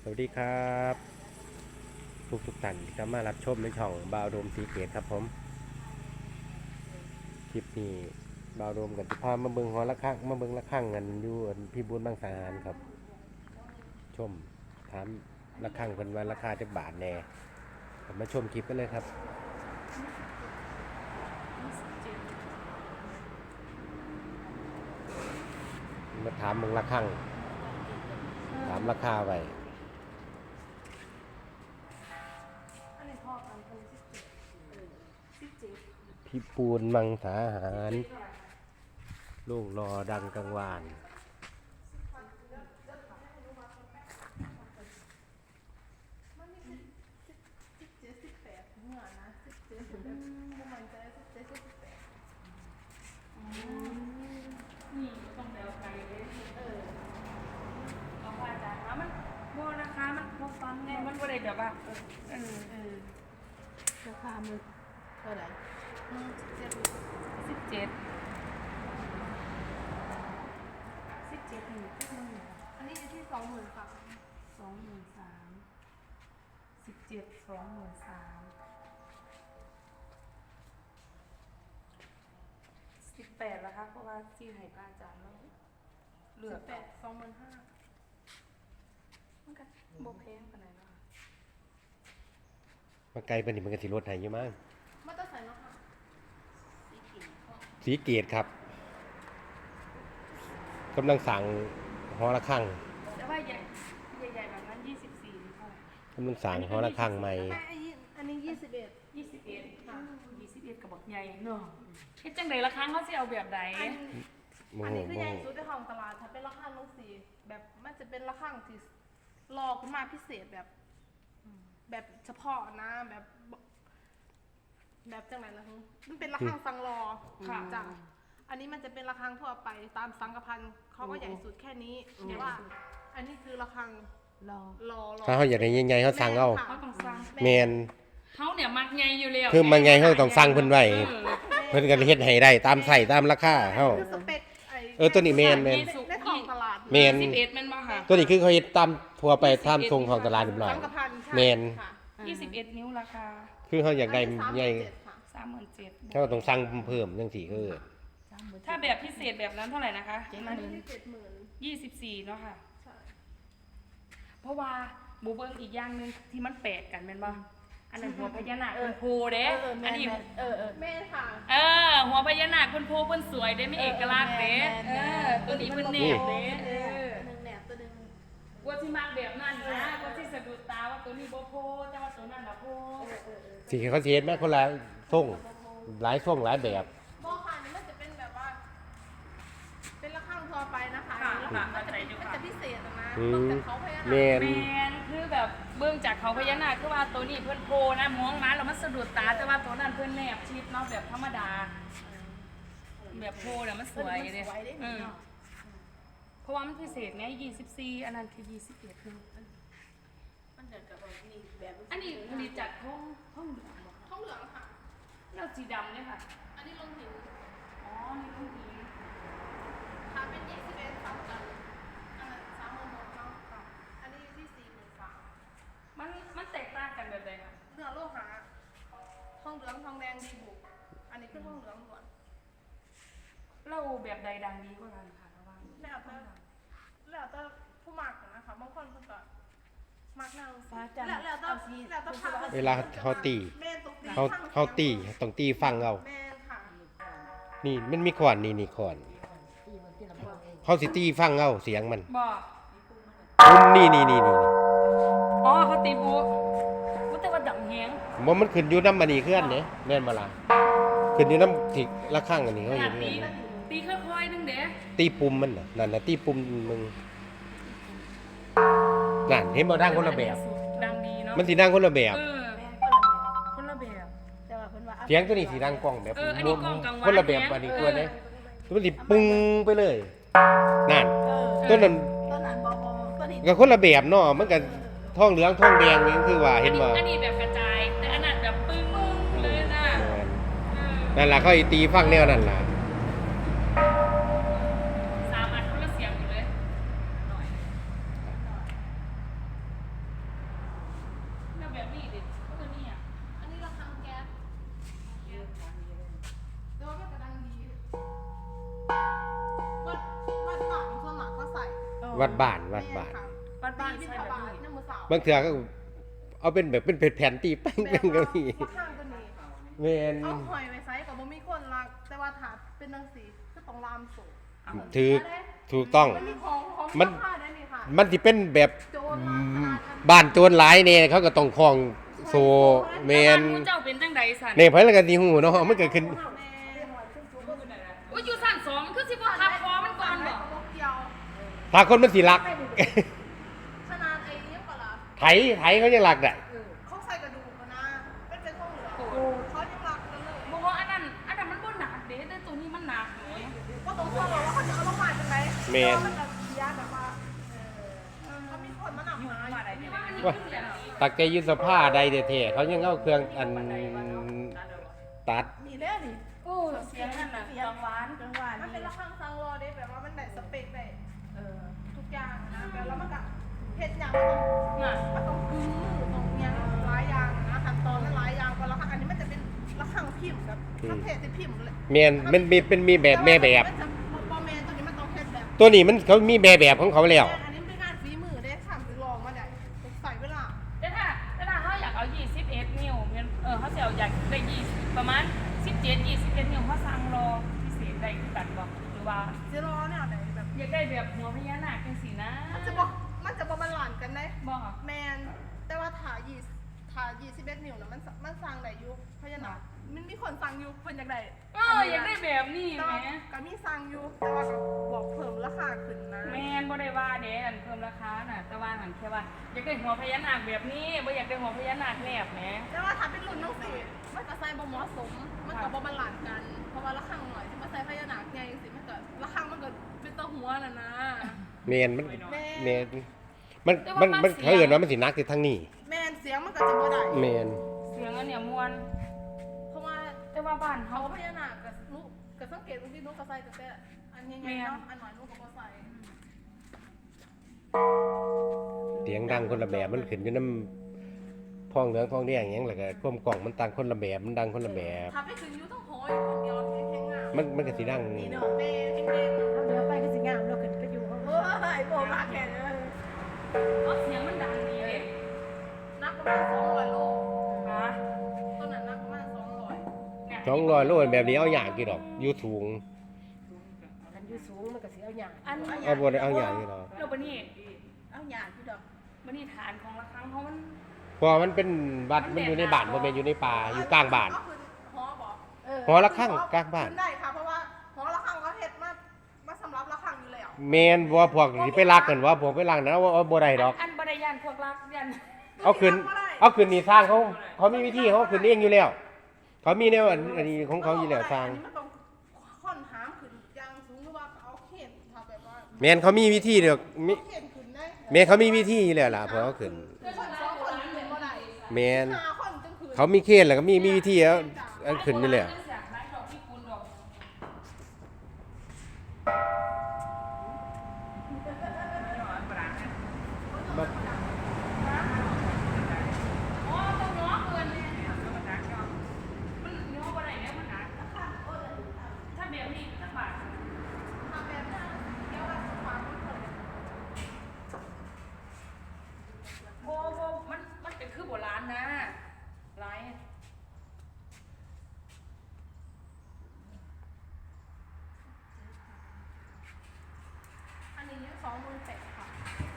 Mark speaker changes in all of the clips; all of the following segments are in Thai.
Speaker 1: วัสดีครับทุกท่านที่เข้ามารับชมในช่องบาวโดมสีเกตครับผมคลิปนี้บาวโดมกับที่พามาเบิ่งหอระฆังมาเบิ่งระฆังกันอยู่พี่บุญบางสาหารครับชมถามระฆังเป็นว่าราคาจะบาทแน่มาชมคลิปกันเลยครับมาถามเบิ่งระฆังถามราคาไว้พี่ปูนมังสาหารลูกรอดังกังวาน
Speaker 2: นี่ต้องเดาไกลเลยเอาว่าจ้ะมันโบนะคะมันพกฟันไงมันบ่ได้แบบว่า
Speaker 3: ราคามันเท่าไหร่
Speaker 2: 17นี่
Speaker 3: อันนี้อยู่ที่20,000ค่ะ
Speaker 2: 18แล้วค่ะเพราะว่าที่ให้ป้าจานแล้วเหลือ
Speaker 3: 25,000
Speaker 2: มันก็บ่แพงปานใดเนาะ
Speaker 1: มาไกลปานนี้มันก็สิลดให้อยู่มั้ง
Speaker 3: มาต้องใส่เนาะค่ะ
Speaker 1: สีเกตครับกำลังสั่งหอระฆัง
Speaker 2: แต่ว่าใหญ่แบบนั้น24นี่เท่าไหร่
Speaker 1: กำลังสั่งหอระฆังใหม่
Speaker 3: อันนี้21
Speaker 2: ค่ะ21ก็บักใหญ่เนาะเฮ็ดจังได๋ละครั้งเขาสิเอาแบบใด
Speaker 3: อันนี้คือใหญ่สุดในของตลาดถ้าเป็นราคาลงสีแบบมันจะเป็นราคาที่รอขึ้นมาพิเศษแบบเฉพาะนะแบบจังไหนล่ะฮึมันเป็นราคาสังรอค่ะจ้ะอันนี้มันจะเป็นระฆังทั่วไปตามสังกพันธ์เขาก็ใหญ่สุดแค่นี้แต่ว่าอันนี้คือระฆังรอ
Speaker 1: ถ้าเขาอยากได้ใหญ่ๆเขาสั่งเอา
Speaker 2: เขาต้องสั่ง
Speaker 1: แมน
Speaker 2: เขาเนี่ยมักใหญ่อยู่แล้ว
Speaker 1: คือมันใหญ่เขาต้องสั่งเพิ่นไว้เพิ่นก็เฮ็ดให้ได้ตามใส่ตามราคาเฮา
Speaker 3: คือสเปค
Speaker 1: ตัวนี้แมน
Speaker 3: ในของตลาด
Speaker 1: แมน
Speaker 2: 21มันบ่ค่ะ
Speaker 1: ตัวนี้คือเขาเฮ็ดตามทั่วไปตามทรงของตลาดเรียบร้อย
Speaker 3: สังกพันธ์ใช่
Speaker 1: แมน
Speaker 3: ค่ะ
Speaker 2: 21นิ้วราคา
Speaker 1: คือเขาอยากได้ใหญ่
Speaker 2: 37,000
Speaker 1: เขาก็ต้องสั่งเพิ่มจังซี่คือ
Speaker 2: ถ้าแบบพิเศษแบบนั้นเท่าไหร่นะคะ
Speaker 3: อันนี้ที่70,000
Speaker 2: 24เนาะค่ะ
Speaker 3: ใช่
Speaker 2: เพราะว่าบูเบิ้งอีกอย่างนึงที่มันแปลกกันแม่นบ่อันนั้นหัวพญานาคเพิ่นโพเด้อันนี้
Speaker 3: แม่ค่ะ
Speaker 2: หัวพญานาคเพิ่นโพเพิ่นสวยเด้ไม่เอกลักษณ์เด้ตัวนี้เพิ่นแนบเด้
Speaker 3: หนึ่งแหนบตัวหนึ่ง
Speaker 2: ว่าสิมักแบบนั้นนะว่าสิสะดุดตาว่าตัวนี้บ่โพแต่ว่าตัวนั้นน่ะโพ
Speaker 1: สิเขาสิเฮ็ดแม่คนละทรงหลายทรงหลายแบบ
Speaker 3: บ่ค่ะนี่มันจะเป็นแบบว่า เป็นระฆังทั่วไปนะคะมันจะพิเศษนะนอกจากเขาพญานาค
Speaker 1: แมน
Speaker 2: แม่นคือแบบเบิ่งจากเขาพญานาคคือว่าตัวนี้เพิ่นโพนะมองมาแล้วมันสะดุดตาแต่ว่าตัวนั้นเพิ่นแนบชิดเนาะแบบธรรมดาแบบโพน่ะมันสวยเด้เพราะว่ามันพิเศษไง24อันนั้นคือ21คือ
Speaker 3: มันเดินกับนี่แบบ
Speaker 2: อันนี้ผลิตจากห้องเหลืองบ่
Speaker 3: ทองเหลืองค่ะ
Speaker 2: แล้วสีดำเนี่ยค่ะ
Speaker 3: อันนี้ลงหิน
Speaker 2: อ๋อนี่ต้องดี
Speaker 3: ค่ะเป็น21ค่ะกันอันนั้น36,000เนาะค่ะอันนี้อยู่ที่43,000
Speaker 2: มันแตกต่างกันแบบใดคะ
Speaker 3: เนื้อโลหะทองเหลืองทองแดงดีบุกอันนี้คือทองเหลืองล้วน
Speaker 2: เราแบบใดดังดีกว่ากันค่ะระหว่าง
Speaker 3: แล้วแต่ผู้หมักนะคะบางคนก็มักแนวแล้วแต่ผ้า
Speaker 1: เวลาเขาตี
Speaker 3: แม่ตกตี
Speaker 1: เขาตีต้องตีฟังเอา
Speaker 3: แม่ค่ะ
Speaker 1: นี่มันมีขวานนี่ขวานเขาสิตีฟังเอาเสียงมัน
Speaker 2: บอก
Speaker 1: นี่
Speaker 2: อ๋อเขาตีบูว่าแต่ว่าดังแฮง
Speaker 1: มันขึ้นอยู่น้ำมันนี่เคลื่อนเนี่ยแม่นมาละขึ้นอยู่น้ำที่ละข้างอันนี้เขา
Speaker 2: ข
Speaker 1: เห็
Speaker 2: นาด
Speaker 1: น
Speaker 2: ตีค่อยๆนึงเด้
Speaker 1: ตีปุ่มมันน่ะนั่นน่ะตีปุ่มมึงนั่นเห็นบ่ดังคนละแบบ
Speaker 2: ดังดีเนาะ
Speaker 1: มันสิดังคนละแบบ
Speaker 2: คนละแบบ
Speaker 3: แต่ว่าเพิ่นว่า
Speaker 1: เสียงตัวนี้สิดังกล้องแบบ
Speaker 2: อันนี้กล้องกลางวัน
Speaker 1: คนละแบบอันนี้ตัวนี้มันสิปุ้งไปเลยนั่นตัวนั้น
Speaker 3: ต้นนั้นบ่ต้นนี้
Speaker 1: ก็คนละแบบเนาะมันก็ทองเหลืองทองแดงนี่คือว่าเห็นบ่
Speaker 2: อันนี้แบบกระจายแต่อันนั้นแบบปึ้งเลยนะ
Speaker 1: นั่นล่ะเขาตีฟังแนวนั่นล่ะ
Speaker 2: 3 อันคนละเสียงอยู่เลย
Speaker 1: วัดบ้านวัดบ้าน
Speaker 2: บ้านบ้าน
Speaker 3: บิน
Speaker 2: ใช่
Speaker 3: ท
Speaker 2: แบบ
Speaker 3: บาท
Speaker 2: นี้
Speaker 3: น้ำมือสาว
Speaker 1: บางเทื่อก็เอาเป็นแบบเป็นแผ่นตีแป้ง
Speaker 3: แบ
Speaker 1: ๆก็
Speaker 3: บ
Speaker 1: มี
Speaker 3: ว่าข้างตัวนี้
Speaker 1: แม่น
Speaker 3: เอาหอยไว้ไซส์กับบ่มีคนรัก แต่ว่าถาเป็นจังซี่คือต้องลามสูง
Speaker 1: ถูกต้อง
Speaker 3: มันมีของ
Speaker 1: มัน
Speaker 3: ค่าได้นี่ค่ะ
Speaker 1: มันสิเป็นแบบ
Speaker 3: โจรมาขนาดนั้น
Speaker 1: บ้านโจรหลายเนี่ยเขาก็ต้องคล้องโซแม
Speaker 2: บ้าน
Speaker 1: น
Speaker 2: มูเจ้าเป็นจังใดสัน
Speaker 1: เนี่ยเพิ่นก็สิฮู้เนาะมันก็ขึ้น
Speaker 3: แม่
Speaker 2: อุ้ยอยู่สั่นสองมันคือสิบ่ทับคอมันก่อนบ่
Speaker 3: บ่เกี่ยว
Speaker 1: ถ้าคนมันสิรัก
Speaker 3: ขนาดไอ้ยังปะล่ะ
Speaker 1: ไถเขายังรักได้
Speaker 3: เขาใส่กระดูกอะนะเป็นทองเหลืองเขายังรักกันเลย
Speaker 2: บอกว่าอันนั้นมันบ่หนักเด้แต่ตัวนี้มันหนักแหม
Speaker 3: ก็ต้องฟังว่าเขาจะเอาลงมาจังได๋
Speaker 1: แม่น
Speaker 3: มันจะเสียแบบว่าเขามีคนมาหนักหาอยู่
Speaker 2: นี่ว่ามันนี่
Speaker 1: ว่า
Speaker 2: ขึ้นแล้ว
Speaker 1: ตักใจยุทธภาใดแท้ๆเขายังเอาเครื่องอันตัด
Speaker 3: นี่แหละนี่
Speaker 2: โอ้เสียงนั่นน่ะกังวาน
Speaker 3: มันเป็นระฆังซังรอได้แบบว่ามันได้สเปคได้ทุกอย่างนะแล้วมันก็เฮ็ดหยัง
Speaker 2: น่ะ
Speaker 3: มันต้องมือต้องหยังหลายอย่างนะขั้นตอนมันหลายอย่างกว่าระฆังอันนี้มันจะเป็นระฆังพิมพ์แบบประเภทที่พิมพ์เลย
Speaker 1: แม่นมันมีแบบแม่แบบ
Speaker 3: มันจะบ่แม่นตัวนี้มันต้องเฮ็ดแบบ
Speaker 1: ตัวนี้มันเขามีแม่แบบของเขาแล้ว
Speaker 3: อันนี้เป็นงานฝีมือได้ทำไปลองมาได้ใส่เวลา
Speaker 2: แต่ถ้าเขาอยากเอา21นิ้วเขาสิเอาอยากได้20ประมาณ17 21นิ้วเขาสั่งรอพิเศษได้คือกันบ่หรือว่า
Speaker 3: เจรอเนี่ยไหนแบบ
Speaker 2: อยากได้แบบหัวพญานาคจังซี่นะ
Speaker 3: มันจะบ่บาลานซ์กันได้
Speaker 2: บ่
Speaker 3: แมนแต่ว่าถ่าย21นิ้วนะมันสั่งได้อยู่เพราะฉะนั้นมันมีคนสั่งอยู่เพิ่นอยากได้
Speaker 2: อยากได้แบบนี้
Speaker 3: แต่
Speaker 2: แหม
Speaker 3: ว่าก็มีสั่งอยู่แต่ว่าก็บอกเพิ่มราคาขึ้นนะ
Speaker 2: แม่นบ่ได้ว่าเด้อันเพิ่มราคาน่ะแต่ว่าหันแค่ว่าอยากได้หัวพญานาคแบบนี้บ่อยากได้หัวพญานาคแนบแหม
Speaker 3: แต่ว่าถ้าเป็นรุ่นน้องสิมันก็ใส่บ่เหมาะสมมันก็บ่บาลานซ์กันเพราะว่าราคาหน่อยที่มาใส่พญานาคใหญ่จังซี่มันก็ราคามันก็เป็นตะหัวน่ะนะ
Speaker 1: แม่นมันเขาเอิ้นว่ามันสิหนักที่ทางนี้
Speaker 3: แมนเสียงมันก็จะบ่ได้
Speaker 1: แม่น
Speaker 2: เสียงอันเนี่ยม่วน
Speaker 3: เพราะว่า
Speaker 2: แต่ว่าบ้าน
Speaker 3: เขา
Speaker 2: เฮา
Speaker 3: พญานาคกับลูกกับสังเกตว่าที่ลูกก็ใส่แต่อันใหญ่ๆเนาะอันหน่อยลูกก็บ่ใส่
Speaker 1: เสียงดังคนละแบบมันขึ้นอยู่นำท้องเหลืองท้องแดงหยังแล้วก็ก้มกล่องมันต่างคนละแบบมันดังคนละแบบ
Speaker 3: ถ้าไปถึงอยู่ต้องโหยคนเดียวแข็งๆงาม
Speaker 1: มันก็สิดัง
Speaker 3: นี่เนาะแม่แข็งๆ
Speaker 4: ถ้าเดี๋ยวไปก็สิงามเราขึ้นไปอยู่ข้างบ
Speaker 3: เฮ้
Speaker 4: น
Speaker 3: ยโบมาแข็งเลย
Speaker 2: เอาเสียงมันดังดีเลย
Speaker 3: นักประมาณ200โล
Speaker 2: นะ
Speaker 3: ต้นนั้นนักประมาณ200
Speaker 2: เนี่ย
Speaker 1: 200โลแบบนี้เอาอย่างกี่ดอกอยู่สูง
Speaker 4: อันอยู่สูงมันก็สิเอาหยาง
Speaker 2: อัน
Speaker 1: เอาบ่ได้เอาอย่างนี้ดอก
Speaker 2: แล้วบัดนี้
Speaker 3: เอาหยาดพี่ดอก
Speaker 2: บัดนี้ฐานของระฆังเขามัน
Speaker 1: เพราะมันเป็นวัดมันอยู่ในบ้านบ่แม่นอยู่ในป่าอยู่กลางบ้าน
Speaker 3: ก็คือหอบอก
Speaker 1: หอระฆังกลางบ้าน
Speaker 3: ขึ้นได้ค่ะเพราะว่าหอระฆังเขาเฮ็ดมาสำหรับระฆังอยู่แล้ว
Speaker 1: แม่นบ่พวกสิไปลักกันว่าพวกไปลักนั้นเอาบ่ได้ดอก
Speaker 2: อันบ่ได้ยันพวกรักยัน
Speaker 1: เอาขึ้นนี่สร้างเขามีวิธีเขาขึ้นเองอยู่แล้ว เขามีแนวอันนี้ของเขาอยู่แล้วสร้าง
Speaker 3: อันนี้มันต้องค่อนหามขึ้นยางสูงหรือว่าเอาเข็นถ้าแบบว่า
Speaker 1: แม่นเขามีวิธีเด้อมี
Speaker 3: เข็นขึ้นได้
Speaker 1: แม่นเขามีวิธีอยู่แล้วล่ะพอเขาขึ้น
Speaker 3: คนสองคนขึ้นบ่ได้
Speaker 1: แม่น
Speaker 3: ห้าคนจังขึ้น
Speaker 1: เขามีเคนแล้วก็มีวิธีเอาขึ้นนี่แหละ
Speaker 2: ถ้าแบบนี้สักบาท
Speaker 3: ทำแบบนั้นเดี๋ยวว่าความมันเกิด
Speaker 2: โบมันเป็นคือโบราณนะไร
Speaker 3: อันนี้28,000ค่ะ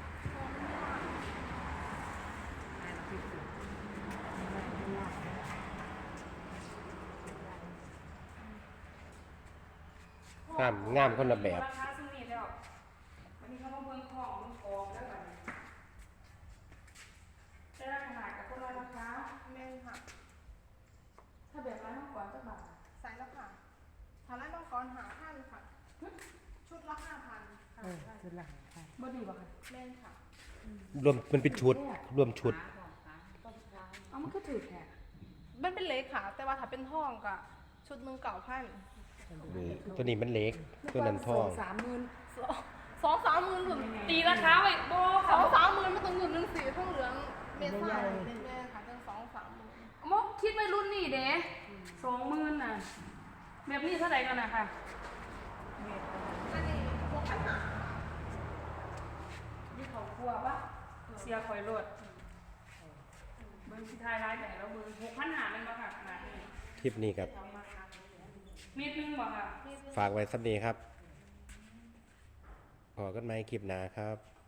Speaker 1: งามคนละแบบ
Speaker 2: ราคาซุ่มนี้แล้ววันนี้เขามาเบิ่งของมันกองแล้วกันได้ราคากับคนละราคา
Speaker 3: แม่นค่ะ
Speaker 2: ถ้าแบบร้านน้องก่อนสักบาท
Speaker 3: ใส่แล้วค่ะถ้าไล่มังกร5,000ค่ะชุดละ5,000ค่ะ
Speaker 4: สุดหลังค่ะ
Speaker 2: บ่ดีบ่ค่ะ
Speaker 3: แม่นค่ะ
Speaker 1: รวมมันเป็นชุดรวมชุด
Speaker 2: เอามันก็ถือแท้
Speaker 3: มันเป็นเล็กค่ะ แต่ว่าถ้าเป็นทองก็ชุดหนึง9,000
Speaker 1: ตัวนี้มันเล็กตัวนั้นทอง
Speaker 3: 2-3หมื่นหรือ
Speaker 2: ตีราคาไว้โบ
Speaker 3: ส
Speaker 2: ค่ะ
Speaker 3: องสามหมื่นมันต้องเงินหนึ่งสีทองเหลืองเมซ่าแม่ค่ะตั้ง2-3หมื่น
Speaker 2: มกคิดไว้รุ่นนี้เด้20,000น่ะแบบนี้เท่าไหร่กันน่ะค่ะ
Speaker 3: อันนี้6,500
Speaker 2: เขาครัวปะเสียคอยรถเบิ้งสิทายรายแต่เราเบิ้ง6,500มันบ่ค่ะขนาดนี้
Speaker 1: คลิปนี้ครับ
Speaker 2: เม็ดนึงบ่ค่ะ
Speaker 1: ฝากไว้สักนี้ครับพอกันไหมคลิปหน้าครับ